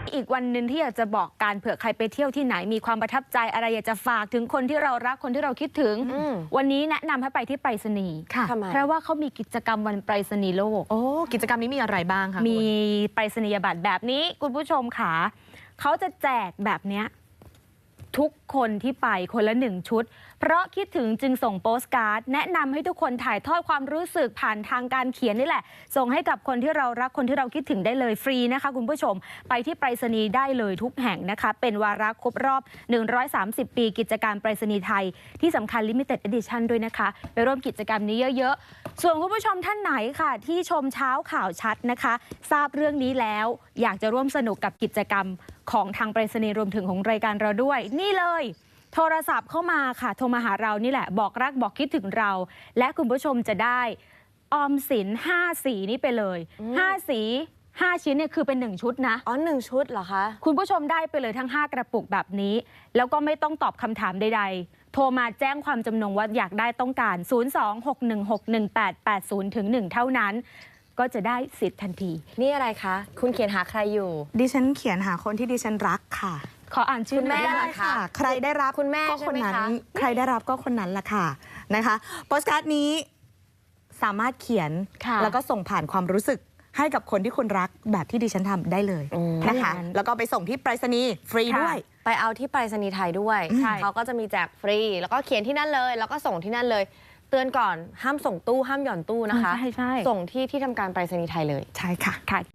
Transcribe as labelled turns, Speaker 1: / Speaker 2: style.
Speaker 1: อีกวันหนึ่งที่อยากจะบอกการเผื่อใครไปเที่ยวที่ไหนมีความประทับใจอะไรอยากจะฝากถึงคนที่เรารักคนที่เราคิดถึงวันนี้แนะนำให้ไปที่ไปรษณีย์เพราะว่าเขามีกิจกรรมวันไปรษณีย์โลก
Speaker 2: โอ้กิจกรรมนี้มีอะไรบ้างคะ
Speaker 1: มีไปรษณียบัตรแบบนี้คุณผู้ชมค่ะเขาจะแจกแบบเนี้ยทุกคนที่ไปคนละ1 ชุดเพราะคิดถึงจึงส่งโปสการ์ดแนะนำให้ทุกคนถ่ายทอดความรู้สึกผ่านทางการเขียนนี่แหละส่งให้กับคนที่เรารักคนที่เราคิดถึงได้เลยฟรีนะคะคุณผู้ชมไปที่ไปรษณีย์ได้เลยทุกแห่งนะคะเป็นวาระครบรอบ130 ปีกิจการไปรษณีย์ไทยที่สำคัญ Limited Edition ด้วยนะคะไปร่วมกิจกรรมนี้เยอะๆส่วนคุณผู้ชมท่านไหนค่ะที่ชมเช้าข่าวชัดนะคะทราบเรื่องนี้แล้วอยากจะร่วมสนุกกับกิจกรรมของทางไปรษณีย์รวมถึงของรายการเราด้วยนี่เลยโทรศัพท์เข้ามาค่ะโทรมาหาเรานี่แหละบอกรักบอกคิดถึงเราและคุณผู้ชมจะได้ออมสิน5 สีนี้ไปเลย5 สี5 ชิ้นเนี่ยคือเป็น1 ชุดนะ
Speaker 2: อ๋อ1 ชุดเหรอคะ
Speaker 1: คุณผู้ชมได้ไปเลยทั้ง5 กระปุกแบบนี้แล้วก็ไม่ต้องตอบคำถามใดๆโทรมาแจ้งความจำนงว่าอยากได้ต้องการ026161880-1เท่านั้นก็จะได้สิทธิ์ทันที
Speaker 2: นี่อะไรคะคุณเขียนหาใครอยู่
Speaker 3: ดิฉันเขียนหาคนที่ดิฉันรักค่ะ
Speaker 1: ขออ่านชื่อ
Speaker 2: แม่
Speaker 3: ได้ค่ะใครได้รับ
Speaker 2: คุณแม่
Speaker 3: ก็คนนั้นใครได้รับก็คนนั้นละค่ะนะคะโปสการ์ดนี้สามารถเขียนแล้วก็ส่งผ่านความรู้สึกให้กับคนที่คุณรักแบบที่ดิฉันทำได้เลยนะคะแล้วก็ไปส่งที่ไปรษณีย์ฟรีด้วย
Speaker 2: ไปเอาที่ไปรษณีย์ไทยด้วยเขาก็จะมีแจกฟรีแล้วก็เขียนที่นั่นเลยแล้วก็ส่งที่นั่นเลยเตือนก่อนห้ามส่งตู้ห้ามหย่อนตู้นะคะ
Speaker 1: ใช่
Speaker 2: ส่งที่ทำการไปรษณีย์ไทยเลย
Speaker 3: ใช่ค่ะ